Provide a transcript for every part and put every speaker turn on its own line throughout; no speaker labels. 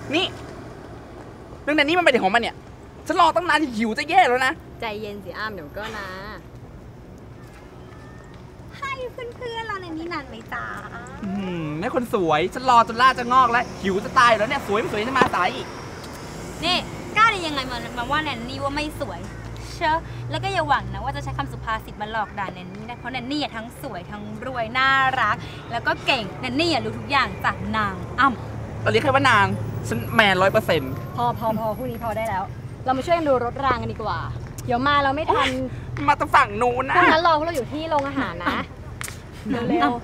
นี่เรื่องนั้นนี่มันเป็นของมันเนี่ยฉันรอตั้งนานหิวจะแย่แล้วนะ
ใจเย็นสิอ้ามเดี๋ยวก็นะให้เพื่อนๆเราในนี้นานไหมจ๊ะ
แม่คนสวยฉันรอจนล่าจะงอกแล้วหิวจะตายแล้วเนี่ยสวยไม่สวยจะมาสายอีก
นี่กล้าได้ยังไงมาว่าแนนนี่ว่าไม่สวยเชอะแล้วก็อย่าหวังนะว่าจะใช้คำสุภาษิตมาหลอกด่าแนนนี่นะเพราะแนนนี่ทั้งสวยทั้งรวยน่ารักแล้วก็เก่งแนนนี่รู้ทุกอย่างจากนางอ้ำ
เราเรียกแค่ว่านางฉันแมน100%
พอพรุ่งนี้พอได้แล้วเรามาช่วยกันดูรถรางกันดีกว่าเดี๋ยวมาเราไม่ทัน
มาตะฝั่งนู้นนะ
พวกนั้นรอพวกเราอยู่ที่โรงอาหารนะเร็ว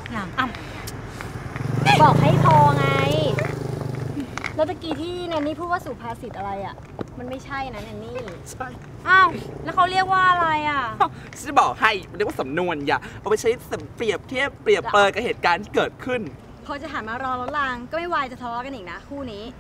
ๆบอกให้พอไงแล้วตะกี้ที่แนนนี่พูดว่าสุภาษิตอะไรอ่ะมันไม่ใช่นะแนนนี่
ใช่
อ้าวแล้วเขาเรียกว่าอะไรอ่ะ
ฉันจะบอกให้เรียกว่าสำนวนอย่าเอาไปใช้เปรียบเทียบเปรียบเปรยกับเหตุการณ์ที่เกิดขึ้น
พอจะหันมารอรถรางก็ไม่วายจะทะเลาะกันอีกนะคู่นี้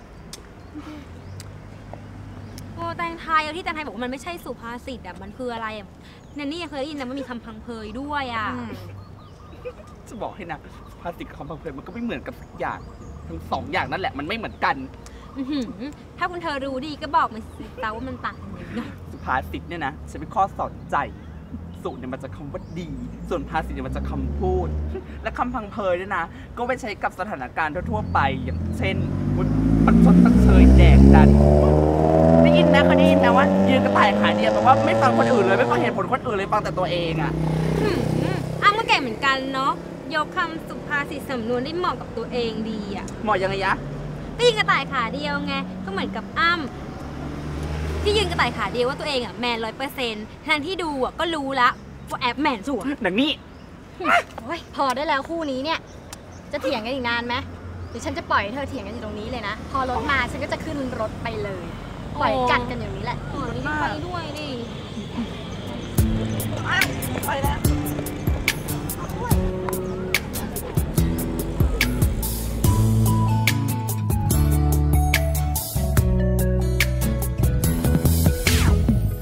โอ้แตงไทยที่แตงไทยบอกว่ามันไม่ใช่สุภาษิตอ่ะมันคืออะไรแนนนี่ยังเคยได้ยินนะว่ามีคำพังเพยด้วยอ่ะ
จะบอกให้นะสุภาษิตกับคำพังเพยมันก็ไม่เหมือนกันสักอย่างทั้ง2 อย่างนั่นแหละมันไม่เหมือนกัน
ถ้าคุณเธอรู้ดีก็บอกมาสิแต่ว่ามันต่างกันยังไง
สุภาษิตเนี่ยนะฉันเป็นข้อสอนใจสุเนี่ยมันจะคำว่าดีส่วนภาษิตเนี่ยมันจะคำพูดและคำพังเพยเนี่ยนะก็ไปใช้กับสถานการณ์ทั่วไปอย่างเช่นมันชดตั้งเชยแดกดันได้ยินนะเคยได้ยินนะว่ายืนกระต่ายขาเดียวแปลว่าไม่ฟังคนอื่นเลยไม่ฟังเหตุผลคนอื่นเลยฟังแต่ตัวเองอ่ะ
อ้างก็เก่งเหมือนกันเนาะยกคำสุภาษิตสำนวนได้เหมาะกับตัวเองดีอ่ะ
เหมาะยังไงยะ
ก็ยืนกระต่ายขาเดียวไงก็เหมือนกับอ้ำที่ยืนกระต่ายขาเดียวว่าตัวเองอ่ะแมน100%ทางที่ดูอ่ะก็รู้ละว่าแอบแมนสวย
หนังนี้
พอได้แล้วคู่นี้เนี่ยจะเถียงกันอีกนานไหมหรือฉันจะปล่อยให้เธอเถียงกันอยู่ตรงนี้เลยนะพอรถมาฉันก็จะขึ้นรถไปเลยปล่อยกัดกันอย่างนี้แหละ
ไป
ด้วยดิ